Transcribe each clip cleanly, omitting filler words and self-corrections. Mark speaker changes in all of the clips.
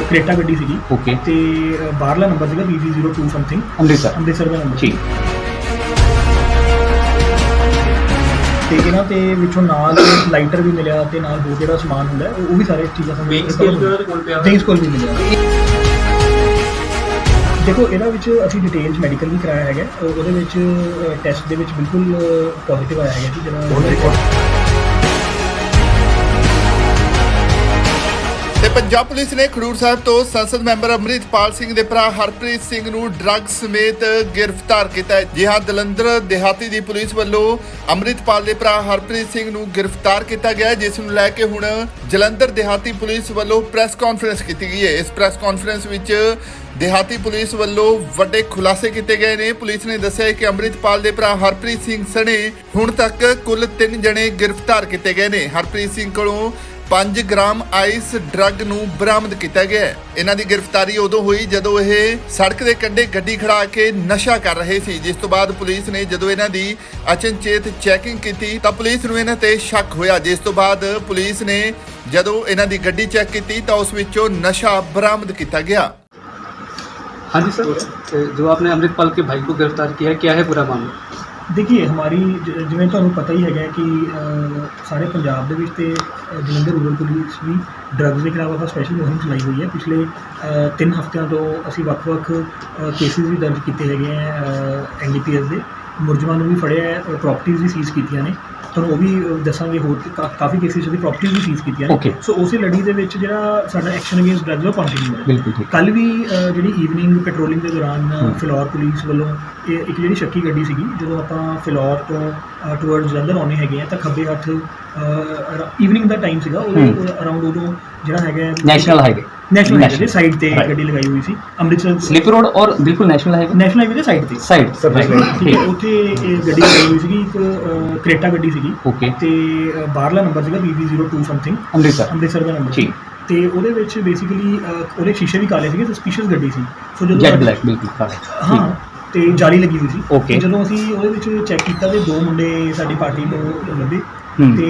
Speaker 1: Creta ਗੱਡੀ ਸੀਗੀ
Speaker 2: okay
Speaker 1: ਤੇ ਬਾਹਰਲਾ ਨੰਬਰ ਸੀਗਾ BG02 ਸਮਥਿੰਗ
Speaker 2: ਅੰਮ੍ਰਿਤਸਰ
Speaker 1: ਦਾ ਨੰਬਰ
Speaker 2: ਠੀਕ
Speaker 1: ਤੇ ਇਹਨਾਂ ਤੇ ਵਿੱਚੋਂ ਨਾਲ ਲਾਈਟਰ ਵੀ ਮਿਲਿਆ ਤੇ ਨਾਲ ਹੋਰ ਜਿਹੜਾ ਸਮਾਨ ਹੁੰਦਾ ਉਹ ਵੀ ਸਾਰੇ ਚੀਜ਼ਾਂ ਸਾਨੂੰ ਵੇਂਗਸ ਕੋਲ ਵੀ ਮਿਲਿਆ। ਦੇਖੋ ਇਹਦਾ ਵਿੱਚ ਅਸੀਂ ਡਿਟੇਲਸ ਮੈਡੀਕਲ ਵੀ ਕਰਾਇਆ ਹੈਗਾ, ਉਹਦੇ ਵਿੱਚ ਟੈਸਟ ਦੇ ਵਿੱਚ ਬਿਲਕੁਲ ਪੋਜ਼ਿਟਿਵ ਆਇਆ ਹੈਗਾ ਜੀ ਜਿਹੜਾ
Speaker 3: ਤੇ ਪੰਜਾਬ ਪੁਲਿਸ ਨੇ ਖਡੂਰ ਸਾਹਿਬ ਤੋਂ ਸੰਸਦ ਮੈਂਬਰ ਅੰਮ੍ਰਿਤਪਾਲ ਸਿੰਘ ਦੇ ਭਰਾ ਹਰਪ੍ਰੀਤ ਸਿੰਘ ਨੂੰ ਡਰੱਗ ਸਮੇਤ ਗ੍ਰਿਫਤਾਰ ਕੀਤਾ ਹੈ। ਜੀ ਹਾਂ, ਜਲੰਧਰ ਦਿਹਾਤੀ ਦੀ ਪੁਲਿਸ ਵੱਲੋਂ ਅੰਮ੍ਰਿਤਪਾਲ ਦੇ ਭਰਾ ਹਰਪ੍ਰੀਤ ਸਿੰਘ ਨੂੰ ਗ੍ਰਿਫਤਾਰ ਕੀਤਾ ਗਿਆ, ਜਿਸ ਨੂੰ ਲੈ ਕੇ ਹੁਣ ਜਲੰਧਰ ਦਿਹਾਤੀ ਪੁਲਿਸ ਵੱਲੋਂ ਪ੍ਰੈਸ ਕਾਨਫਰੰਸ ਕੀਤੀ ਗਈ ਹੈ। ਇਸ ਪ੍ਰੈਸ ਕਾਨਫਰੰਸ ਵਿੱਚ ਦਿਹਾਤੀ ਪੁਲਿਸ ਵੱਲੋਂ ਵੱਡੇ ਖੁਲਾਸੇ ਕੀਤੇ ਗਏ ਨੇ। ਪੁਲਿਸ ਨੇ ਦੱਸਿਆ ਕਿ ਅੰਮ੍ਰਿਤਪਾਲ ਦੇ ਭਰਾ ਹਰਪ੍ਰੀਤ ਸਿੰਘ ਸਣੇ ਹੁਣ ਤੱਕ ਕੁੱਲ 3 ਜਣੇ ਗ੍ਰਿਫਤਾਰ ਕੀਤੇ ਗਏ ਨੇ। ਹਰਪ੍ਰੀਤ ਸਿੰਘ ਕੋਲੋਂ 5 ਗ੍ਰਾਮ ਆਈਸ ਡਰੱਗ ਨੂੰ ਬਰਾਮਦ ਕੀਤਾ ਗਿਆ ਹੈ। ਇਹਨਾਂ ਦੀ ਗ੍ਰਿਫਤਾਰੀ ਉਦੋਂ ਹੋਈ ਜਦੋਂ ਇਹ ਸੜਕ ਦੇ ਕੰਢੇ ਗੱਡੀ ਖੜਾ ਕੇ ਨਸ਼ਾ ਕਰ ਰਹੇ ਸੀ, ਜਿਸ ਤੋਂ ਬਾਅਦ ਪੁਲਿਸ ਨੇ ਜਦੋਂ ਇਹਨਾਂ ਦੀ ਅਚਨਚੇਤ ਚੈਕਿੰਗ ਕੀਤੀ ਤਾਂ ਪੁਲਿਸ ਨੂੰ ਇਹਨਾਂ ਤੇ ਸ਼ੱਕ ਹੋਇਆ, ਜਿਸ ਤੋਂ ਬਾਅਦ ਪੁਲਿਸ ਨੇ ਜਦੋਂ ਇਹਨਾਂ ਦੀ ਗੱਡੀ ਚੈੱਕ ਕੀਤੀ ਤਾਂ ਉਸ ਵਿੱਚੋਂ ਨਸ਼ਾ ਬਰਾਮਦ ਕੀਤਾ ਗਿਆ।
Speaker 4: हाँ जी सर, जो आपने अमृतपाल के भाई को गिरफ्तार किया है, क्या है पूरा मामला?
Speaker 1: देखिए हमारी जिवें ਤੁਹਾਨੂੰ ਪਤਾ ਹੀ ਹੈਗਾ ਕਿ ਸਾਰੇ ਪੰਜਾਬ ਦੇ ਵਿੱਚ ਤੇ ਜਲੰਧਰ ਰੂਰਲ ਪੁਲਿਸ ਵੀ ਡਰੱਗਸ ਦੇ ਖਿਲਾਫ ਆਪਾਂ ਸਪੈਸ਼ਲ ਮੁਹਿੰਮ ਚਲਾਈ ਹੋਈ ਹੈ। ਪਿਛਲੇ 3 ਹਫ਼ਤਿਆਂ ਤੋਂ ਅਸੀਂ ਵੱਖ-ਵੱਖ ਕੇਸਿਸ ਵੀ ਦਰਜ ਕੀਤੇ ਹੈਗੇ ਆ NDPS ਦੇ, ਮੁਲਜ਼ਮਾਂ ਨੂੰ ਵੀ ਫੜਿਆ ਹੈ, ਪ੍ਰਾਪਰਟੀਜ਼ ਵੀ ਸੀਜ਼ ਕੀਤੀਆਂ ਨੇ। ਤੁਹਾਨੂੰ ਉਹ ਵੀ ਦੱਸਾਂਗੇ, ਹੋਰ ਕਾਫੀ ਕੇਸਿਸ ਦੀ ਪ੍ਰਾਪਰਟੀਜ਼ ਵੀ ਸੀਜ਼ ਕੀਤੀਆਂ ਨੇ। ਸੋ ਉਸੇ ਲੜੀ ਦੇ ਵਿੱਚ ਜਿਹੜਾ ਸਾਡਾ ਐਕਸ਼ਨ ਅਗੇਂਸਟ ਡਰੱਗਸ ਉਹ ਕੰਟੀਨਿਊ ਹੈ।
Speaker 2: ਬਿਲਕੁਲ ਠੀਕ।
Speaker 1: ਕੱਲ੍ਹ ਵੀ ਜਿਹੜੀ ਈਵਨਿੰਗ ਪੈਟਰੋਲਿੰਗ ਦੇ ਦੌਰਾਨ ਫਿਲੌਰ ਪੁਲਿਸ ਵੱਲੋਂ ਇੱਕ ਜਿਹੜੀ ਸ਼ੱਕੀ ਗੱਡੀ ਸੀਗੀ, ਜਦੋਂ ਆਪਾਂ ਫਿਲੌਰ ਤੋਂ ਟੂਵਰਡਸ ਜਲੰਧਰ ਆਉਂਦੇ ਹੈਗੇ ਆ ਤਾਂ ਖੱਬੇ ਹੱਥ ਈਵਨਿੰਗ ਦਾ ਟਾਈਮ ਸੀਗਾ, ਉਹਦੇ ਅਰਾਊਂਡ ਉਦੋਂ ਜਿਹੜਾ ਹੈਗਾ
Speaker 2: ਨੈਸ਼ਨਲ ਹਾਈਵੇ
Speaker 1: ਦੇ ਸਾਈਡ ਤੇ ਗੱਡੀ ਲਗਾਈ ਹੋਈ ਸੀ ਅੰਮ੍ਰਿਤਸਰ
Speaker 2: ਸਲਿਪ ਰੋਡ ਔਰ ਬਿਲਕੁਲ ਨੈਸ਼ਨਲ ਹਾਈਵੇ ਦੇ
Speaker 1: ਸਾਈਡ ਤੇ ਠੀਕ ਹੈ। ਉੱਥੇ ਇਹ ਗੱਡੀ ਲਗਾਈ ਹੋਈ ਸੀਗੀ, ਇੱਕ ਕ੍ਰੇਟਾ ਗੱਡੀ ਸੀਗੀ
Speaker 2: ਓਕੇ
Speaker 1: ਤੇ ਬਾਹਰਲਾ ਨੰਬਰ ਸੀਗਾ BG02 ਸਮਥਿੰਗ ਅੰਮ੍ਰਿਤਸਰ ਦਾ ਨੰਬਰ
Speaker 2: ਠੀਕ।
Speaker 1: ਤੇ ਉਹਦੇ ਵਿੱਚ ਬੇਸਿਕਲੀ ਉਹਦੇ ਸ਼ੀਸ਼ੇ ਵੀ ਕਾਲੇ ਸੀਗੇ, ਸਸਪੀਸ਼ੀਅਸ ਗੱਡੀ ਸੀ। ਸੋ ਜਦੋਂ
Speaker 2: ਜੈਟ ਬਲੈਕ ਬਿਲਕੁਲ ਕਾਲਾ
Speaker 1: ਹਾਂ ਤੇ ਜਾਲੀ ਲੱਗੀ ਹੋਈ ਸੀ।
Speaker 2: ਓਕੇ।
Speaker 1: ਜਦੋਂ ਅਸੀਂ ਉਹਦੇ ਵਿੱਚ ਚੈੱਕ ਕੀਤਾ ਤੇ 2 ਮੁੰਡੇ ਸਾਡੀ ਪਾਰਟੀ ਤੋਂ ਲੱਭੇ ਤੇ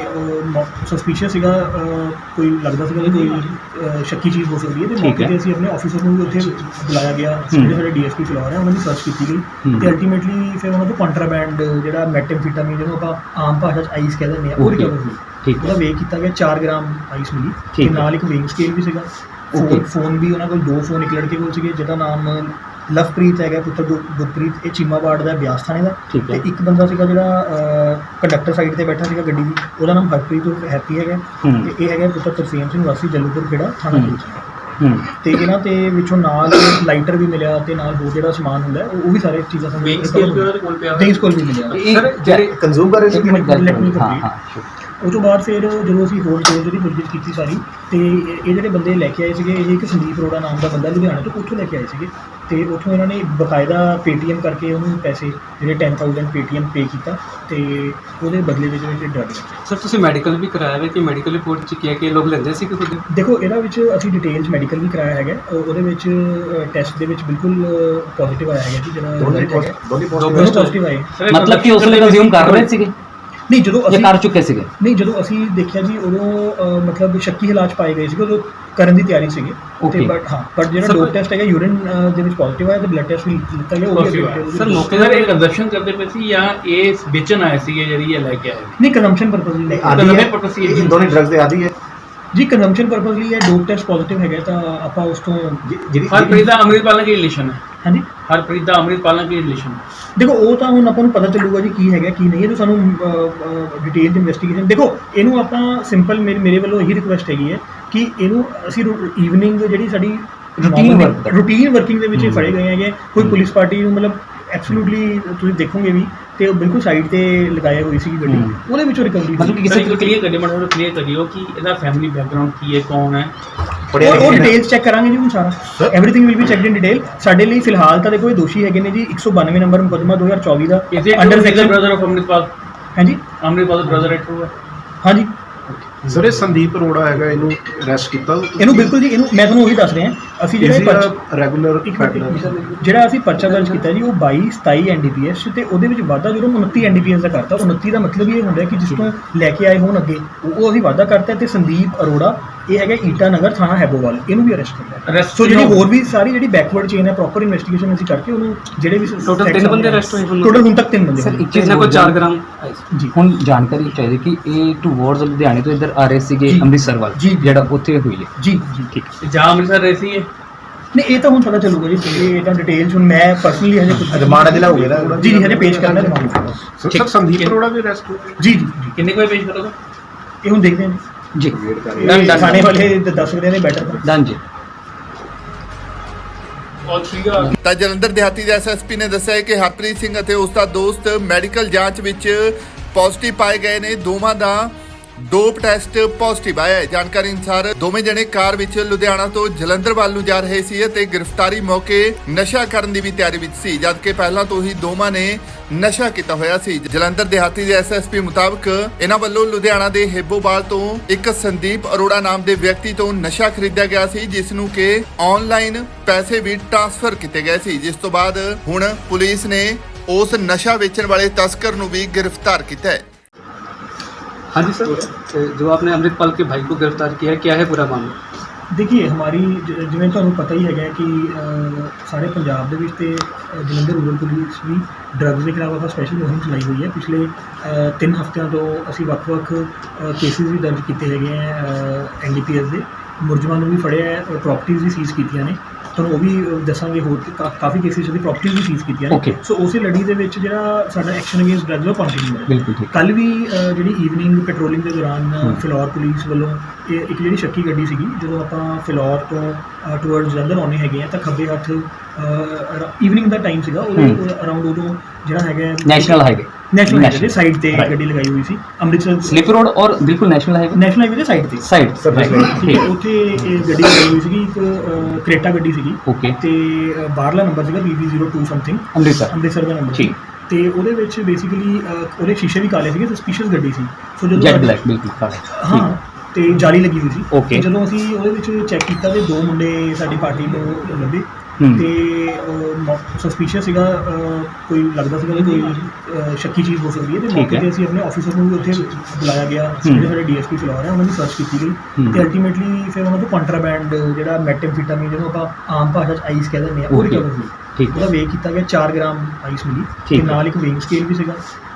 Speaker 1: ਸਸਪੀਸ਼ੀਅਸ ਸੀਗਾ, ਕੋਈ ਲੱਗਦਾ ਸੀਗਾ ਕਿ ਕੋਈ ਸ਼ੱਕੀ ਚੀਜ਼ ਹੋ ਸਕਦੀ ਹੈ। ਤੇ ਮੌਕੇ 'ਤੇ ਅਸੀਂ ਆਪਣੇ ਆਫੀਸਰ ਨੂੰ ਵੀ ਉੱਥੇ ਬੁਲਾਇਆ ਗਿਆ, ਜਿਹੜੇ ਸਾਡੇ DSP ਫਿਲੌਰ ਹੈ, ਉਹਨਾਂ ਦੀ ਸਰਚ ਕੀਤੀ ਗਈ ਤੇ ਅਲਟੀਮੇਟਲੀ ਫਿਰ ਉਹਨਾਂ ਤੋਂ ਕੰਟਰਾਬੈਂਡ ਜਿਹੜਾ ਮੈਟਾਮਫੀਟਾਮੀਨ ਜਿਹਨੂੰ ਆਪਾਂ ਆਮ ਭਾਸ਼ਾ 'ਚ ਆਈਸ ਕਹਿ ਦਿੰਦੇ ਹਾਂ, ਉਹ ਰਿਕਵਰ ਹੋਈ। ਉਹਦਾ ਵੇਖ ਕੀਤਾ ਗਿਆ, 4 ਗ੍ਰਾਮ ਆਈਸ ਮਿਲੀ ਤੇ ਨਾਲ ਇੱਕ ਵੇਇੰਗ ਸਕੇਲ ਵੀ ਸੀਗਾ। ਫੋਨ ਵੀ ਉਹਨਾਂ ਕੋਲ 2 ਫੋਨ ਇੱਕ ਲੜਕੇ ਕੋਲ ਸੀਗੇ ਜਿਹਦਾ ਨਾਮ ਲਵਪ੍ਰੀਤ ਹੈਗਾ, ਪੁੱਤਰ ਗੁਰਪ੍ਰੀਤ, ਇਹ ਚੀਮਾਬਾੜ ਦਾ, ਬਿਆਸ ਥਾਣੇ ਦਾ। ਤੇ ਇੱਕ ਬੰਦਾ ਸੀਗਾ ਜਿਹੜਾ ਕੰਡਕਟਰ ਸਾਈਡ ਤੇ ਬੈਠਾ ਸੀਗਾ ਗੱਡੀ ਦੀ, ਉਹਦਾ ਨਾਮ ਹਰਪ੍ਰੀਤ ਹੈਪੀ ਹੈਗਾ ਤੇ ਇਹ ਹੈਗਾ ਪੁੱਤਰ ਤਰਸੇਮ ਸਿੰਘ ਵਾਸੀ ਜਲੂਪੁਰ ਖੇੜਾ ਥਾਣਾ ਪੁਲਿਸ। ਤੇ ਇਹਨਾਂ ਤੇ ਵਿੱਚੋਂ ਨਾਲ ਲਾਈਟਰ ਵੀ ਮਿਲਿਆ ਤੇ ਨਾਲ ਹੋਰ ਜਿਹੜਾ ਸਮਾਨ ਹੁੰਦਾ ਉਹ ਵੀ ਸਾਰੇ ਚੀਜ਼ਾਂ ਸਾਨੂੰ ਵੇਂਗਸ ਕੋਲ ਵੀ ਮਿਲਿਆ।
Speaker 4: ਸਰ ਜਿਹੜੇ ਕੰਜ਼ੂਮ ਕਰ ਰਹੇ
Speaker 1: ਸੀ ਉਹ ਤੋਂ ਬਾਅਦ ਫਿਰ ਜਦੋਂ ਅਸੀਂ ਹੋਰ ਜਿਹੜੀ ਪੁੱਛਗਿੱਛ ਕੀਤੀ ਸਾਰੀ, ਤੇ ਇਹ ਜਿਹੜੇ ਬੰਦੇ ਲੈ ਕੇ ਆਏ ਸੀਗੇ, ਇਹ ਇੱਕ ਸੰਦੀਪ ਅਰੋੜਾ ਨਾਮ ਦਾ ਬੰਦਾ ਲੁਧਿਆਣਾ ਤੋਂ, ਉੱਥੋਂ ਲੈ ਕੇ ਆਏ ਸੀਗੇ ਤੇ ਉੱਥੋਂ ਇਹਨਾਂ ਨੇ ਬਕਾਇਦਾ ਪੇਟੀਐਮ ਕਰਕੇ ਉਹਨੂੰ ਪੈਸੇ ਜਿਹੜੇ 10,000 ਪੇਟੀਐਮ ਪੇ ਕੀਤਾ ਤੇ ਉਹਦੇ ਬਦਲੇ ਵਿੱਚ ਡਰੱਗ।
Speaker 4: ਸਰ ਤੁਸੀਂ ਮੈਡੀਕਲ ਵੀ ਕਰਾਇਆ ਹੈ ਕਿ ਮੈਡੀਕਲ ਰਿਪੋਰਟ 'ਚ ਕੀ ਹੈ ਕਿ ਲੋਕ ਲੈਂਦੇ ਸੀ ਕਿ ਖੁਦ?
Speaker 1: ਦੇਖੋ ਇਹਦਾ ਵਿੱਚ ਅਸੀਂ ਡਿਟੇਲਸ ਮੈਡੀਕਲ ਵੀ ਕਰਾਇਆ ਹੈਗਾ, ਉਹਦੇ ਵਿੱਚ ਟੈਸਟ ਦੇ ਵਿੱਚ ਬਿਲਕੁਲ ਪੋਜ਼ਿਟਿਵ ਆਇਆ ਹੈਗਾ ਜੀ, ਜਿਹੜਾ ਦੋਨੋਂ ਪੋਜ਼ਿਟਿਵ ਆਏ।
Speaker 2: ਮਤਲਬ ਕਿ ਉਸ ਵੇਲੇ ਕੰਜ਼ਿਊਮ ਕਰ ਰਹੇ ਸੀਗੇ?
Speaker 1: ਨਹੀਂ, ਜਦੋਂ ਅਸੀਂ
Speaker 2: ਕਰ ਚੁੱਕੇ ਸੀਗੇ?
Speaker 1: ਨਹੀਂ, ਜਦੋਂ ਅਸੀਂ ਦੇਖਿਆ ਜੀ ਉਦੋਂ ਮਤਲਬ ਸ਼ੱਕੀ ਹਾਲਾਤ ਪਾਏ ਗਏ ਸੀਗੇ, ਉਦੋਂ ਕਰਨ ਦੀ ਤਿਆਰੀ ਸੀਗੀ ਤੇ ਬਟ ਜਿਹੜਾ ਡੋਪ ਟੈਸਟ ਹੈਗਾ ਯੂਰਿਨ ਦੇ ਵਿੱਚ ਪੋਜ਼ਿਟਿਵ ਆਇਆ ਤੇ ਬਲੱਡ ਟੈਸਟ ਵੀ ਲਿੱਤਾ ਗਿਆ ਉਹ ਵੀ।
Speaker 5: ਸਰ ਮੌਕੇ ਤੇ ਕੰਜ਼ੰਪਸ਼ਨ ਕਰਦੇ ਪਏ ਸੀ ਜਾਂ ਇਹ ਵੇਚਣ ਆਏ ਸੀਗੇ ਜਿਹੜੀ ਇਹ ਲੈ ਕੇ ਆਏ?
Speaker 1: ਨਹੀਂ, ਕੰਜ਼ੰਪਸ਼ਨ ਪਰਪਸ ਲਈ ਲੈ ਕੇ
Speaker 4: ਇਹ ਦੋਨੇ ਡਰੱਗਸ ਦੇ ਆਦੀ ਹੈ
Speaker 1: ਜੀ। ਕੰਜ਼ੰਪਸ਼ਨ ਪਰਪਸ ਲਈ ਇਹ ਡੋਪ ਟੈਸਟ ਪੋਜ਼ਿਟਿਵ ਹੈਗਾ ਤਾਂ ਆਪਾਂ ਉਸ ਤੋਂ
Speaker 4: ਜਿਹੜੀ
Speaker 5: ਹਰਪ੍ਰੀਤ ਦਾ ਅੰਮ੍ਰਿਤਪਾਲ ਨਾਲ ਕੀ ਰਿਲੇਸ਼ਨ ਹੈ?
Speaker 1: ਹਾਂਜੀ,
Speaker 5: ਹਰਪ੍ਰੀਤ ਦਾ ਅੰਮ੍ਰਿਤਪਾਲ ਨਾਲ ਕੀ ਰਿਲੇਸ਼ਨ?
Speaker 1: ਦੇਖੋ ਉਹ ਤਾਂ ਹੁਣ ਆਪਾਂ ਨੂੰ ਪਤਾ ਚੱਲੂਗਾ ਜੀ ਕੀ ਹੈਗਾ ਕੀ ਨਹੀਂ, ਇਹ ਤਾਂ ਸਾਨੂੰ ਡਿਟੇਲ ਇਨਵੈਸਟੀਗੇਸ਼ਨ। ਦੇਖੋ ਇਹਨੂੰ ਆਪਾਂ ਸਿੰਪਲ ਮੇਰੇ ਵੱਲੋਂ ਇਹੀ ਰਿਕੁਐਸਟ ਹੈਗੀ ਹੈ ਕਿ ਇਹਨੂੰ ਅਸੀਂ ਈਵਨਿੰਗ ਜਿਹੜੀ ਸਾਡੀ ਰੂਟੀਨ ਵਰਕਿੰਗ ਦੇ ਵਿੱਚ ਇਹ ਫੜੇ ਗਏ ਹੈਗੇ। ਕੋਈ ਪੁਲਿਸ ਪਾਰਟੀ ਨੂੰ ਮਤਲਬ ਐਬਸੋਲੂਟਲੀ ਤੁਸੀਂ ਦੇਖੋਗੇ ਵੀ ਤੇ ਉਹ ਬਿਲਕੁਲ ਸਾਈਡ ਤੇ ਲਗਾਇਆ ਹੋਈ ਸੀ ਗੱਡੀ, ਉਹਦੇ ਵਿੱਚੋਂ ਰਿਕਵਰੀ
Speaker 5: ਮਤਲਬ ਕਿਸੇ ਨੂੰ ਕਲੀਅਰ ਕਰਿਓ ਕਿ ਇਹਦਾ ਫੈਮਿਲੀ ਬੈਕਗ੍ਰਾਉਂਡ ਕੀ ਹੈ, ਕੌਣ ਹੈ,
Speaker 1: ਉਹ ਡਿਟੇਲਸ ਚੈੱਕ ਕਰਾਂਗੇ ਜੀ ਹੁਣ ਸਾਰਾ, everything will be checked in detail. ਸਾਡੇ ਲਈ ਫਿਲਹਾਲ ਤਾਂ ਦੇਖੋ ਇਹ ਦੋਸ਼ੀ ਹੈਗੇ ਨੇ ਜੀ 192 ਨੰਬਰ ਮੁਕੱਦਮਾ 2024 ਦਾ under section
Speaker 5: brother of Amritpal.
Speaker 1: ਹਾਂਜੀ,
Speaker 5: ਅੰਮ੍ਰਿਤਪਾਲ ਦਾ ਬ੍ਰਦਰ ਹੈ, ਟਰੂ ਹੈ?
Speaker 1: ਹਾਂਜੀ
Speaker 6: ਸਰ ਇਹ ਸੰਦੀਪ ਅਰੋੜਾ ਹੈਗਾ, ਇਹਨੂੰ ਅਰੈਸਟ ਕੀਤਾ?
Speaker 1: ਇਹਨੂੰ ਬਿਲਕੁਲ ਜੀ, ਇਹਨੂੰ ਮੈਂ ਤੁਹਾਨੂੰ ਉਹੀ ਦੱਸ ਰਿਹਾ। ਅਸੀਂ ਜਿਹੜਾ
Speaker 6: ਰੈਗੂਲਰ
Speaker 1: ਜਿਹੜਾ ਅਸੀਂ ਪਰਚਾ ਦਰਜ ਕੀਤਾ ਜੀ ਉਹ 22 27 NDPS ਤੇ ਉਹਦੇ ਵਿੱਚ ਵਾਧਾ ਜਦੋਂ 29 NDPS ਦਾ ਕਰਤਾ। 29 ਦਾ ਮਤਲਬ ਇਹ ਹੁੰਦਾ ਕਿ ਜਿਸ ਤੋਂ ਲੈ ਕੇ ਆਏ ਹੋਣ ਅੱਗੇ ਉਹ ਅਸੀਂ ਵਾਧਾ ਕਰਤਾ ਤੇ ਸੰਦੀਪ ਅਰੋੜਾ ਇਹ ਹੈਗਾ ਈਟਾ ਨਗਰ ਥਾਣਾ ਹੈਬੋਵਾਲ, ਇਹਨੂੰ ਵੀ ਅਰੈਸਟ ਕੀਤਾ ਹੈ।
Speaker 5: Arrest
Speaker 1: ਸੋ ਜਿਹੜੀ
Speaker 5: ਕਿਉਂ?
Speaker 1: ਹੋਰ ਵੀ ਸਾਰੀ ਜਿਹੜੀ ਬੈਕਵਰਡ ਚੇਨ ਹੈ ਪ੍ਰੋਪਰ ਇਨਵੈਸਟੀਗੇਸ਼ਨ ਅਸੀਂ ਕਰਕੇ ਉਹਨੂੰ ਜਿਹੜੇ ਵੀ
Speaker 4: Total ਤਿੰਨ ਬੰਦੇ arrest ਹੋਏ ਹੁਣ?
Speaker 1: ਟੋਟਲ ਹੁਣ ਤੱਕ 3 ਬੰਦੇ
Speaker 2: ਸਰ
Speaker 1: ਹੋਏ।
Speaker 2: ਇੱਕ ਚੀਜ਼
Speaker 4: जिसने को 4 ग्राम
Speaker 1: ਜੀ
Speaker 2: ਹੁਣ ਜਾਣਕਾਰੀ ਚਾਹੀਦੀ ਕਿ ਇਹ ਟੂਵਰਡਸ ਲੁਧਿਆਣੇ ਤੋਂ ਇੱਧਰ ਆ ਰਹੇ ਸੀਗੇ
Speaker 1: ਜੀ।
Speaker 2: ਅੰਮ੍ਰਿਤਸਰ ਵੱਲ
Speaker 1: ਜੀ।
Speaker 2: ਜਿਹੜਾ ਉੱਥੇ ਹੋਈ ਹੈ।
Speaker 1: ਜੀ ਜੀ
Speaker 2: ਠੀਕ
Speaker 5: जहाँ अमृतसर रहती है
Speaker 1: ਨਹੀਂ ਇਹ ਤਾਂ ਹੁਣ ਪਤਾ ਚੱਲੂਗਾ ਜੀ, ਇਹ ਤਾਂ ਡਿਟੇਲਸ ਹੁਣ ਮੈਂ ਪਰਸਨਲੀ ਹਜੇ ਕੁਝ
Speaker 6: ਰਿਮਾਂਡ ਅਜੇ ਲਾਓਗੇ ਨਾ?
Speaker 1: ਜੀ ਜੀ ਹਜੇ ਪੇਸ਼ ਕਰਨਾ ਰਿਮਾਂਡ।
Speaker 6: ਸਰ ਸੰਦੀਪ ਅਰੋੜਾ ਵੀ ਅਰੈਸਟ ਹੋ ਗਏ।
Speaker 1: ਜੀ ਜੀ ਜੀ
Speaker 5: कितने को पेश करोगे
Speaker 1: ਇਹ ਹੁਣ ਦੇਖਦੇ ਹਾਂ
Speaker 2: ਜੀ
Speaker 1: ਜੀ ਥਾਣੇ ਵਾਲੇ ਦੱਸ ਸਕਦੇ ਨੇ ਬੈਟਰ।
Speaker 2: ਡਨ ਜੀ।
Speaker 3: ਤਾਂ ਜਲੰਧਰ ਦਿਹਾਤੀ ਦੇ ਐਸਐਸਪੀ ਨੇ ਦੱਸਿਆ ਹੈ ਕਿ ਹਰਪ੍ਰੀਤ ਸਿੰਘ ਅਤੇ ਉਸ ਦਾ ਦੋਸਤ ਮੈਡੀਕਲ ਜਾਂਚ ਵਿੱਚ ਪੋਜ਼ਿਟਿਵ ਪਾਏ ਗਏ ਨੇ। ਦੋਵਾਂ ਦਾ ਡੋਪ ਟੈਸਟ ਪੋਜ਼ਿਟਿਵ ਆਇਆ ਹੈ। ਜਾਣਕਾਰੀ ਅਨੁਸਾਰ ਦੋਵੇਂ ਜਣੇ ਕਾਰ ਵਿੱਚ ਲੁਧਿਆਣਾ ਤੋਂ ਜਲੰਧਰ ਵੱਲ ਨੂੰ ਜਾ ਰਹੇ ਸੀ ਅਤੇ ਗ੍ਰਿਫਤਾਰੀ ਮੌਕੇ ਨਸ਼ਾ ਕਰਨ ਦੀ ਵੀ ਤਿਆਰੀ ਵਿੱਚ ਸੀ, ਜਦਕਿ ਪਹਿਲਾਂ ਤੋਂ ਹੀ ਦੋਵਾਂ ਨੇ ਨਸ਼ਾ ਕੀਤਾ ਹੋਇਆ ਸੀ। ਜਲੰਧਰ ਦਿਹਾਤੀ ਦੇ ਐਸਐਸਪੀ ਮੁਤਾਬਕ ਇਹਨਾਂ ਵੱਲੋਂ ਲੁਧਿਆਣਾ ਦੇ ਹੈਬੋਵਾਲ ਤੋਂ ਇੱਕ ਸੰਦੀਪ ਅਰੋੜਾ ਨਾਮ ਦੇ ਵਿਅਕਤੀ ਤੋਂ ਨਸ਼ਾ ਖਰੀਦਿਆ ਗਿਆ ਸੀ, ਜਿਸ ਨੂੰ ਕਿ ਆਨਲਾਈਨ ਪੈਸੇ ਵੀ ਟ੍ਰਾਂਸਫਰ ਕੀਤੇ ਗਏ ਸੀ, ਜਿਸ ਤੋਂ ਬਾਅਦ ਹੁਣ ਪੁਲਿਸ ਨੇ ਉਸ ਨਸ਼ਾ ਵੇਚਣ ਵਾਲੇ ਤਸਕਰ ਨੂੰ ਵੀ ਗ੍ਰਿਫਤਾਰ ਕੀਤਾ ਹੈ।
Speaker 4: हाँ जी सर, जो आपने अमृतपाल के भाई को गिरफ्तार किया है, क्या है पूरा मामला?
Speaker 1: ਦੇਖੀਏ ਹਮਾਰੀ ਜਿਵੇਂ ਤੁਹਾਨੂੰ ਪਤਾ ਹੀ ਹੈਗਾ ਕਿ ਸਾਰੇ ਪੰਜਾਬ ਦੇ ਵਿੱਚ ਤੇ ਜਲੰਧਰ ਰੂਰਲ ਪੁਲਿਸ ਵੀ ਡਰੱਗਸ ਦੇ ਖਿਲਾਫ ਆਪਾਂ ਸਪੈਸ਼ਲ ਮੁਹਿੰਮ ਚਲਾਈ ਹੋਈ ਹੈ। ਪਿਛਲੇ 3 ਹਫ਼ਤਿਆਂ ਤੋਂ ਅਸੀਂ ਵੱਖ-ਵੱਖ ਕੇਸਿਸ ਵੀ ਦਰਜ ਕੀਤੇ ਹੈਗੇ ਆ NDPS ਦੇ, ਮੁਲਜ਼ਮਾਂ ਨੂੰ ਵੀ ਫੜਿਆ ਹੈ, ਪ੍ਰਾਪਰਟੀਜ਼ ਵੀ ਸੀਜ਼ ਕੀਤੀਆਂ ਨੇ। ਤੁਹਾਨੂੰ ਉਹ ਵੀ ਦੱਸਾਂਗੇ, ਹੋਰ ਕਾਫੀ ਕੇਸਿਸ ਦੀ ਪ੍ਰਾਪਰਟੀਜ਼ ਵੀ ਸੀਜ਼ ਕੀਤੀਆਂ ਨੇ।
Speaker 2: Okay.
Speaker 1: ਸੋ ਉਸੇ ਲੜੀ ਦੇ ਵਿੱਚ ਜਿਹੜਾ ਸਾਡਾ ਐਕਸ਼ਨ ਅਗੇਂਸਟ ਡਰੱਗਸ ਉਹ ਕੰਟੀਨਿਊ ਹੈ।
Speaker 2: ਬਿਲਕੁਲ ਠੀਕ।
Speaker 1: ਕੱਲ ਵੀ ਜਿਹੜੀ ਈਵਨਿੰਗ ਪੈਟਰੋਲਿੰਗ ਦੇ ਦੌਰਾਨ ਫਿਲੌਰ ਪੁਲਿਸ ਵੱਲੋਂ ਇੱਕ ਜਿਹੜੀ ਸ਼ੱਕੀ ਗੱਡੀ ਸੀਗੀ, ਜਦੋਂ ਆਪਾਂ ਫਿਲੌਰ ਤੋਂ ਟੂਵਰਡਸ ਜਲੰਧਰ ਆਉਂਦੇ ਹੈਗੇ ਆ ਤਾਂ ਖੱਬੇ ਹੱਥ ਈਵਨਿੰਗ ਦਾ ਟਾਈਮ ਸੀਗਾ, ਉਹਦੇ ਅਰਾਊਂਡ ਉਦੋਂ ਜਿਹੜਾ ਹੈਗਾ
Speaker 2: ਨੈਸ਼ਨਲ ਹਾਈਵੇ
Speaker 1: ਦੇ ਸਾਈਡ ਤੇ ਗੱਡੀ ਲਗਾਈ ਹੋਈ ਸੀ ਅੰਮ੍ਰਿਤਸਰ
Speaker 2: ਸਲਿਪ ਰੋਡ ਔਰ ਬਿਲਕੁਲ ਨੈਸ਼ਨਲ ਹਾਈਵੇ
Speaker 1: ਦੇ ਸਾਈਡ ਤੇ
Speaker 2: ਸਾਈਡ
Speaker 1: ਠੀਕ ਹੈ। ਉੱਥੇ ਇਹ ਗੱਡੀ ਲਗਾਈ ਹੋਈ ਸੀਗੀ, ਇੱਕ ਕ੍ਰੇਟਾ ਗੱਡੀ ਸੀਗੀ
Speaker 2: ਓਕੇ
Speaker 1: ਤੇ ਬਾਹਰਲਾ ਨੰਬਰ ਸੀਗਾ BB02 ਸਮਥਿੰਗ
Speaker 2: ਅੰਮ੍ਰਿਤਸਰ
Speaker 1: ਦਾ ਨੰਬਰ
Speaker 2: ਠੀਕ।
Speaker 1: ਤੇ ਉਹਦੇ ਵਿੱਚ ਬੇਸਿਕਲੀ ਉਹਦੇ ਸ਼ੀਸ਼ੇ ਵੀ ਕਾਲੇ ਸੀਗੇ, ਸਸਪੀਸ਼ੀਅਸ ਗੱਡੀ ਸੀ। ਸੋ
Speaker 2: ਜੈਟ
Speaker 1: ਜਦੋਂ
Speaker 2: ਬਲੈਕ ਬਿਲਕੁਲ ਕਾਲਾ
Speaker 1: ਹਾਂ ਤੇ ਜਾਲੀ ਲੱਗੀ ਹੋਈ ਸੀ।
Speaker 2: Okay.
Speaker 1: ਤੇ ਜਦੋਂ ਅਸੀਂ ਉਹਦੇ ਵਿੱਚ ਚੈੱਕ ਕੀਤਾ ਤੇ 2 ਮੁੰਡੇ ਸਾਡੀ ਪਾਰਟੀ ਨੂੰ ਲੱਭੇ ਤੇ ਸਸਪੀਸ਼ੀਅਸ ਸੀਗਾ, ਕੋਈ ਲੱਗਦਾ ਸੀਗਾ ਕਿ ਕੋਈ ਸ਼ੱਕੀ ਚੀਜ਼ ਹੋ ਸਕਦੀ ਹੈ। ਤੇ ਮੌਕੇ ਤੇ ਅਸੀਂ ਆਪਣੇ ਆਫੀਸਰ ਨੂੰ ਵੀ ਉੱਥੇ ਬੁਲਾਇਆ ਗਿਆ, ਜਿਹੜੇ ਸਾਡੇ DSP ਫਿਲੌਰ ਹੈ ਉਹਨਾਂ ਦੀ ਸਰਚ ਕੀਤੀ ਗਈ ਤੇ ਅਲਟੀਮੇਟਲੀ ਫਿਰ ਉਹਨਾਂ ਤੋਂ ਕੰਟਰਾਬੈਂਡ ਜਿਹੜਾ ਮੈਟਾਮਫੈਟਾਮੀਨ ਜਿਹਨੂੰ ਆਪਾਂ ਆਮ ਭਾਸ਼ਾ 'ਚ ਆਈਸ ਕਹਿ ਦਿੰਦੇ ਆ, ਉਹ ਰਿਕਵਰ ਹੋਈ।
Speaker 2: ਠੀਕ
Speaker 1: ਉਹਦਾ ਵੇਖ ਕੀਤਾ ਗਿਆ, 4 ਗ੍ਰਾਮ ਆਈਸ ਮਿਲੀ ਤੇ
Speaker 2: ਠੀਕ ਹੈ।
Speaker 1: ਨਾਲ ਇੱਕ ਵੇਇੰਗ ਸਕੇਲ ਵੀ ਸੀਗਾ।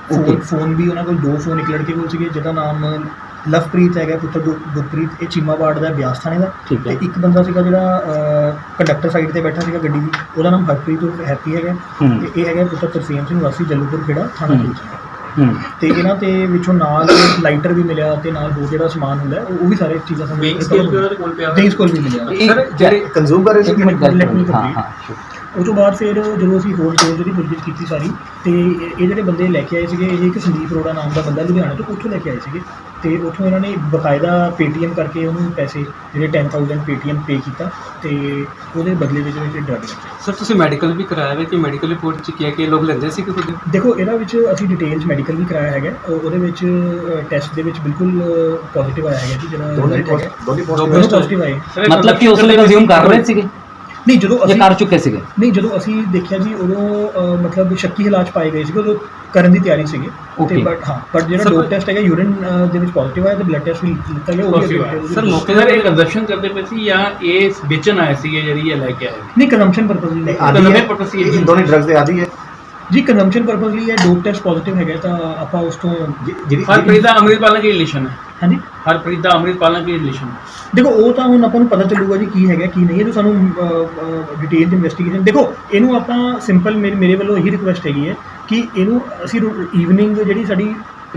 Speaker 1: ਫੋਨ ਵੀ ਉਹਨਾਂ ਕੋਲ 2 ਫੋਨ ਇੱਕ ਲੜਕੇ ਕੋਲ ਸੀਗੇ ਜਿਹਦਾ ਨਾਮ ਲਵਪ੍ਰੀਤ ਹੈਗਾ, ਪੁੱਤਰ ਗੁਰਪ੍ਰੀਤ, ਇਹ ਚੀਮਾਬਾੜ ਦਾ ਬਿਆਸ ਥਾਣੇ ਦਾ।
Speaker 2: ਠੀਕ ਹੈ।
Speaker 1: ਤੇ ਇੱਕ ਬੰਦਾ ਸੀਗਾ ਜਿਹੜਾ ਕੰਡਕਟਰ ਸਾਈਡ ਤੇ ਬੈਠਾ ਸੀਗਾ ਗੱਡੀ ਦੀ, ਉਹਦਾ ਨਾਮ ਹਰਪ੍ਰੀਤ ਉਰਫ ਹੈਪੀ ਹੈਗਾ ਤੇ ਇਹ ਹੈਗਾ ਪੁੱਤਰ ਤਰਸੇਮ ਸਿੰਘ ਵਾਸੀ ਜਲੂਪੁਰ ਖੇੜਾ ਥਾਣਾ ਪੁਲਿਸ। ਤੇ ਇਹਨਾਂ ਤੇ ਵਿੱਚੋਂ ਨਾਲ ਲਾਈਟਰ ਵੀ ਮਿਲਿਆ ਤੇ ਨਾਲ ਹੋਰ ਜਿਹੜਾ ਸਮਾਨ ਹੁੰਦਾ ਹੈ, ਉਹ ਵੀ ਸਾਰੇ ਚੀਜ਼ਾਂ ਸਾਨੂੰ
Speaker 4: ਵੇਇੰਗ ਸਕੇਲ ਵੀ ਉਹਦੇ ਕੋਲ ਪਿਆ
Speaker 1: ਵੇਇੰਗ ਸਕੇਲ ਵੀ ਮਿਲਿਆ।
Speaker 4: सर ਜਿਹੜੇ
Speaker 6: ਕੰਜ਼ੂਮ ਕਰ ਰਹੇ ਸੀ।
Speaker 1: ਇੱਕ ਮਿੰਟ let me
Speaker 2: ਹਾਂ
Speaker 1: complete।
Speaker 2: ਹਾਂ
Speaker 1: ਉਹ ਤੋਂ ਬਾਅਦ ਫਿਰ ਜਦੋਂ ਅਸੀਂ ਹੋਰ ਜਿਹੜੀ ਪੁੱਛਗਿੱਛ ਕੀਤੀ ਸਾਰੀ ਤੇ ਇਹ ਜਿਹੜੇ ਬੰਦੇ ਲੈ ਕੇ ਆਏ ਸੀਗੇ, ਇਹ ਇੱਕ ਸੰਦੀਪ ਅਰੋੜਾ ਨਾਮ ਦਾ ਬੰਦਾ ਲੁਧਿਆਣਾ ਤੋਂ ਉੱਥੋਂ ਲੈ ਕੇ ਆਏ ਸੀਗੇ ਤੇ ਉੱਥੋਂ ਇਹਨਾਂ ਨੇ ਬਕਾਇਦਾ ਪੇਟੀਐਮ ਕਰਕੇ ਉਹਨੂੰ ਪੈਸੇ ਜਿਹੜੇ 10,000 ਪੇਟੀਐਮ ਪੇ ਕੀਤਾ ਤੇ ਉਹਦੇ ਬਦਲੇ ਵਿੱਚ ਡਰਗ ਲਿਆ।
Speaker 4: ਸਰ ਤੁਸੀਂ ਮੈਡੀਕਲ ਵੀ ਕਰਾਇਆ ਹੈ ਕਿ ਮੈਡੀਕਲ ਰਿਪੋਰਟ ਚ ਕੀ ਹੈ ਕਿ ਲੋਕ ਲੈਂਦੇ ਸੀ ਕਿ ਖੁਦ?
Speaker 1: ਦੇਖੋ ਇਹਦਾ ਵਿੱਚ ਅਸੀਂ ਡਿਟੇਲਸ ਮੈਡੀਕਲ ਵੀ ਕਰਾਇਆ ਹੈਗਾ, ਉਹਦੇ ਵਿੱਚ ਟੈਸਟ ਦੇ ਵਿੱਚ ਬਿਲਕੁਲ ਪੋਜ਼ਿਟਿਵ ਆਇਆ ਹੈਗਾ ਜੀ, ਜਿਹੜਾ ਦੋਨੋਂ ਪੋਜ਼ਿਟਿਵ ਆਏ।
Speaker 2: ਮਤਲਬ ਕਿ ਉਸ ਵੇਲੇ ਕੰਜ਼ਿਊਮ ਕਰ ਰਹੇ ਸੀਗੇ
Speaker 1: ਨਹੀਂ ਜਦੋਂ
Speaker 2: ਜਾਂ
Speaker 1: ਅਸੀਂ
Speaker 2: ਕਰ ਚੁੱਕੇ ਸੀਗੇ?
Speaker 1: ਨਹੀਂ ਜਦੋਂ ਅਸੀਂ ਦੇਖਿਆ ਜੀ ਉਦੋਂ ਮਤਲਬ ਸ਼ੱਕੀ ਹਾਲਾਤ 'ਚ ਪਾਏ ਗਏ ਸੀਗੇ, ਉਦੋਂ ਕਰਨ ਦੀ ਤਿਆਰੀ ਸੀਗੇ ਤੇ
Speaker 2: Okay.
Speaker 1: ਬਟ ਜਿਹੜਾ ਡੋਪ ਟੈਸਟ ਹੈਗਾ ਯੂਰਿਨ ਦੇ ਵਿੱਚ ਪੋਜ਼ਿਟਿਵ ਆਇਆ ਤੇ ਬਲੱਡ ਟੈਸਟ ਵੀ ਲਿੱਤਾ ਗਿਆ, ਉਹ ਵੀ
Speaker 4: ਸਰ ਮੌਕੇ
Speaker 5: सर ये कंजप्शन करते पे सी या ये बेचन आए सी ਜਿਹੜੀ ਇਹ ਲੈ ਕੇ ਆਏ
Speaker 1: ਨਹੀਂ ਕੰਜ਼ੰਪਸ਼ਨ ਪਰਪਸ ਲਈ
Speaker 6: ਆਦੀ ਹੈ
Speaker 5: purpose ਹੀ
Speaker 6: ਇਹ ਦੋਨੇ ਡਰੱਗਸ ਦੇ ਆਦੀ ਹੈ
Speaker 1: ਜੀ, ਕੰਜ਼ੰਪਸ਼ਨ ਪਰਪਸ ਲਈ ਇਹ ਡੋਪ ਟੈਸਟ ਪੋਜ਼ਿਟਿਵ ਹੈਗਾ ਤਾਂ ਆਪਾਂ ਉਸ ਤੋਂ
Speaker 5: ਹਰਪ੍ਰੀਤ ਦਾ ਅੰਮ੍ਰਿਤਪਾਲ ਨਾਲ ਕੀ ਰਿਲੇਸ਼ਨ ਹੈ?
Speaker 1: ਹਾਂਜੀ
Speaker 5: ਹਰਪ੍ਰੀਤ ਦਾ ਅੰਮ੍ਰਿਤਪਾਲ ਨਾਲ ਕੀ ਰਿਲੇਸ਼ਨ ਹੈ?
Speaker 1: ਦੇਖੋ ਉਹ ਤਾਂ ਹੁਣ ਆਪਾਂ ਨੂੰ ਪਤਾ ਚੱਲੂਗਾ ਜੀ ਕੀ ਹੈਗਾ ਕੀ ਨਹੀਂ, ਇਹ ਤਾਂ ਸਾਨੂੰ ਡਿਟੇਲ ਦੀ ਇਨਵੈਸਟੀਗੇਸ਼ਨ। ਦੇਖੋ ਇਹਨੂੰ ਆਪਾਂ ਸਿੰਪਲ ਮੇਰੇ ਵੱਲੋਂ ਇਹੀ ਰਿਕੁਐਸਟ ਹੈਗੀ ਹੈ ਕਿ ਇਹਨੂੰ ਅਸੀਂ ਈਵਨਿੰਗ ਜਿਹੜੀ ਸਾਡੀ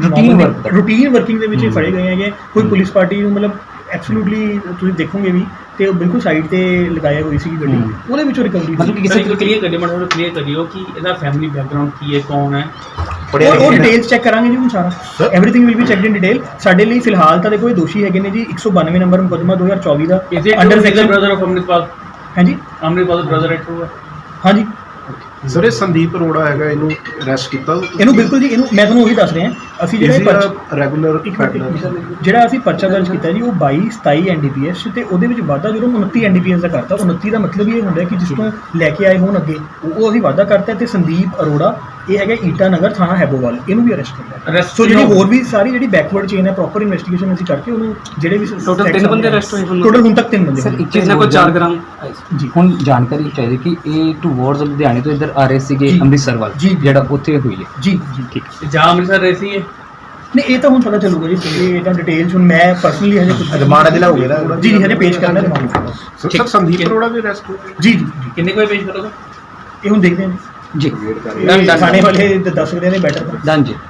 Speaker 1: ਰੂਟੀਨ ਵਰਕਿੰਗ ਦੇ ਵਿੱਚ ਇਹ ਫੜੇ ਗਏ ਹੈਗੇ, ਕੋਈ ਪੁਲਿਸ ਪਾਰਟੀ ਨੂੰ ਮਤਲਬ ਐਬਸੋਲੂਟਲੀ ਤੁਸੀਂ ਦੇਖੋਗੇ ਵੀ ਤੇ ਉਹ ਬਿਲਕੁਲ ਸਾਈਡ ਤੇ ਲਗਾਇਆ ਹੋਈ ਸੀ ਗੱਡੀ, ਉਹਦੇ ਵਿੱਚੋਂ ਰਿਕਵਰੀ
Speaker 2: ਮਤਲਬ ਕਿ
Speaker 5: ਕਿਸੇ
Speaker 2: ਕਿਸੇ
Speaker 5: ਨੂੰ ਕਲੀਅਰ ਕਰਿਓ, ਮਤਲਬ ਕਲੀਅਰ ਕਰਿਓ ਕਿ ਇਹਦਾ ਫੈਮਿਲੀ ਬੈਕਗ੍ਰਾਉਂਡ ਕੀ ਹੈ, ਕੌਣ ਹੈ?
Speaker 1: ਉਹ ਡਿਟੇਲਸ ਚੈੱਕ ਕਰਾਂਗੇ ਜੀ ਹੁਣ ਸਾਰਾ, everything will be checked in detail. ਸਾਡੇ ਲਈ ਫਿਲਹਾਲ ਤਾਂ ਦੇਖੋ ਇਹ ਦੋਸ਼ੀ ਹੈਗੇ ਨੇ ਜੀ 192 ਨੰਬਰ ਮੁਕੱਦਮਾ 2024 ਦਾ
Speaker 5: under section brother of Amritpal.
Speaker 1: ਹਾਂਜੀ
Speaker 5: ਅੰਮ੍ਰਿਤਪਾਲ ਦਾ ਬ੍ਰਦਰ ਹੈ ਟਰੂ?
Speaker 1: ਹਾਂਜੀ
Speaker 6: ਸਰ ਇਹ ਸੰਦੀਪ ਅਰੋੜਾ ਹੈਗਾ, ਇਹਨੂੰ ਅਰੈਸਟ ਕੀਤਾ
Speaker 1: ਇਹਨੂੰ ਬਿਲਕੁਲ ਜੀ, ਇਹਨੂੰ ਮੈਂ ਤੁਹਾਨੂੰ ਉਹੀ ਦੱਸ ਰਿਹਾ, ਅਸੀਂ ਜਿਹੜਾ
Speaker 6: ਰੈਗੂਲਰ
Speaker 1: ਜਿਹੜਾ ਅਸੀਂ ਪਰਚਾ ਦਰਜ ਕੀਤਾ ਜੀ ਉਹ 22-27 NDPS ਤੇ ਉਹਦੇ ਵਿੱਚ ਵਾਧਾ ਜਦੋਂ 29 NDPS ਦਾ ਕਰਤਾ। 29 ਦਾ ਮਤਲਬ ਇਹ ਹੁੰਦਾ ਕਿ ਜਿਸ ਤੋਂ ਲੈ ਕੇ ਆਏ ਹੋਣ ਅੱਗੇ ਉਹ ਅਸੀਂ ਵਾਧਾ ਕਰਤਾ ਤੇ ਸੰਦੀਪ ਅਰੋੜਾ ਇਹ ਹੈਗਾ ਈਟਾ ਨਗਰ ਥਾਣਾ ਹੈਬੋਵਾਲ, ਇਹਨੂੰ ਵੀ ਅਰੈਸਟ ਕਰਨਾ।
Speaker 5: Arrest
Speaker 1: ਸੋ ਜਿਹੜੀ
Speaker 5: ਕਿਉਂ?
Speaker 1: ਹੋਰ ਵੀ ਸਾਰੀ ਜਿਹੜੀ ਬੈਕਵਰਡ ਚੇਨ ਹੈ ਪ੍ਰੋਪਰ ਇਨਵੈਸਟੀਗੇਸ਼ਨ ਅਸੀਂ ਕਰਕੇ ਉਹਨੂੰ ਜਿਹੜੇ ਵੀ
Speaker 4: Total ਤਿੰਨ ਬੰਦੇ arrest ਹੋਏ ਹੁਣ?
Speaker 1: ਟੋਟਲ ਹੁਣ ਤੱਕ 3 ਬੰਦੇ
Speaker 2: ਸਰ
Speaker 1: ਹੋਏ।
Speaker 2: ਇੱਕ ਚੀਜ਼
Speaker 4: जिसने को
Speaker 2: ਹੋਰ
Speaker 4: 4 ग्राम
Speaker 1: ਜੀ
Speaker 2: ਹੁਣ ਜਾਣਕਾਰੀ ਚਾਹੀਦੀ ਕਿ ਇਹ ਟੂਵਰਡਸ ਲੁਧਿਆਣੇ ਤੋਂ ਇੱਧਰ ਆ ਰਹੇ ਸੀਗੇ
Speaker 1: ਜੀ।
Speaker 2: ਅੰਮ੍ਰਿਤਸਰ ਵੱਲ,
Speaker 1: ਜੀ।
Speaker 2: ਜਿਹੜਾ ਉੱਥੇ ਹੋਈ ਹੈ।
Speaker 1: ਜੀ ਜੀ
Speaker 2: ਠੀਕ
Speaker 5: ਤੇ ਜਾਂ ਅੰਮ੍ਰਿਤਸਰ ਰਹੇ ਸੀ ਇਹ?
Speaker 1: ਨਹੀਂ ਇਹ ਤਾਂ ਹੁਣ ਪਤਾ ਚੱਲੂਗਾ ਜੀ, ਇਹ ਤਾਂ ਡਿਟੇਲਸ ਹੁਣ ਮੈਂ ਪਰਸਨਲੀ ਹਜੇ ਕੁਝ
Speaker 6: ਰਿਮਾਂਡ ਅਜੇ ਲਾਓਗੇ ਨਾ?
Speaker 1: ਜੀ ਹਜੇ ਪੇਸ਼ ਕਰਨਾ ਰਿਮਾਂਡ।
Speaker 6: ਸਰ ਸੰਦੀਪ ਅਰੋੜਾ ਵੀ ਅਰੈਸਟ ਹੋ ਗਏ।
Speaker 1: ਜੀ ਜੀ ਜੀ,
Speaker 5: ਕਿੰਨੇ ਕੋਈ ਪੇਸ਼ ਕਰੋਗੇ?
Speaker 1: ਇਹ ਹੁਣ ਦੇਖਦੇ ਹਾਂ
Speaker 2: ਜੀ
Speaker 1: ਜੀ, ਥਾਣੇ ਵਾਲੇ ਦੱਸ ਸਕਦੇ ਨੇ ਬੈਟਰ।
Speaker 2: ਡਨ ਜੀ।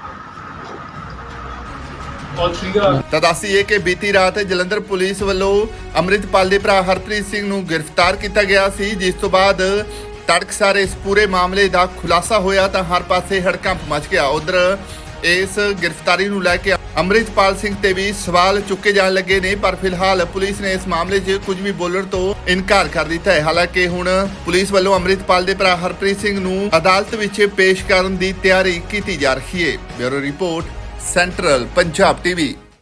Speaker 3: ਤਾਂ ਦੱਸੀਏ ਕਿ ਬੀਤੀ ਰਾਤ ਜਲੰਧਰ ਪੁਲਿਸ ਵੱਲੋਂ ਅੰਮ੍ਰਿਤਪਾਲ ਦੇ ਭਰਾ ਹਰਪ੍ਰੀਤ ਸਿੰਘ ਨੂੰ ਗ੍ਰਿਫਤਾਰ ਕੀਤਾ ਗਿਆ ਸੀ, ਜਿਸ ਤੋਂ ਬਾਅਦ ਤੜਕਸਾਰ ਇਸ ਪੂਰੇ ਮਾਮਲੇ ਦਾ ਖੁਲਾਸਾ ਹੋਇਆ ਤਾਂ ਹਰ ਪਾਸੇ ਹੜਕੰਪ ਮਚ ਗਿਆ। ਉਧਰ ਇਸ ਗ੍ਰਿਫਤਾਰੀ ਨੂੰ ਲੈ ਕੇ ਅੰਮ੍ਰਿਤਪਾਲ ਸਿੰਘ ਤੇ ਵੀ ਸਵਾਲ ਚੁੱਕੇ ਜਾਣ ਲੱਗੇ ਨੇ, ਪਰ ਫਿਲਹਾਲ ਪੁਲਿਸ ਨੇ ਇਸ ਮਾਮਲੇ 'ਚ ਕੁਝ ਵੀ ਬੋਲਣ ਤੋਂ ਇਨਕਾਰ ਕਰ ਦਿੱਤਾ ਹੈ। ਹਾਲਾਂਕਿ ਹੁਣ ਪੁਲਿਸ ਵੱਲੋਂ ਅੰਮ੍ਰਿਤਪਾਲ ਦੇ ਭਰਾ ਹਰਪ੍ਰੀਤ ਸਿੰਘ ਨੂੰ ਅਦਾਲਤ ਵਿੱਚ ਪੇਸ਼ ਕਰਨ ਦੀ ਤਿਆਰੀ ਕੀਤੀ ਜਾ ਰਹੀ ਹੈ। Bureau report, central Punjab TV.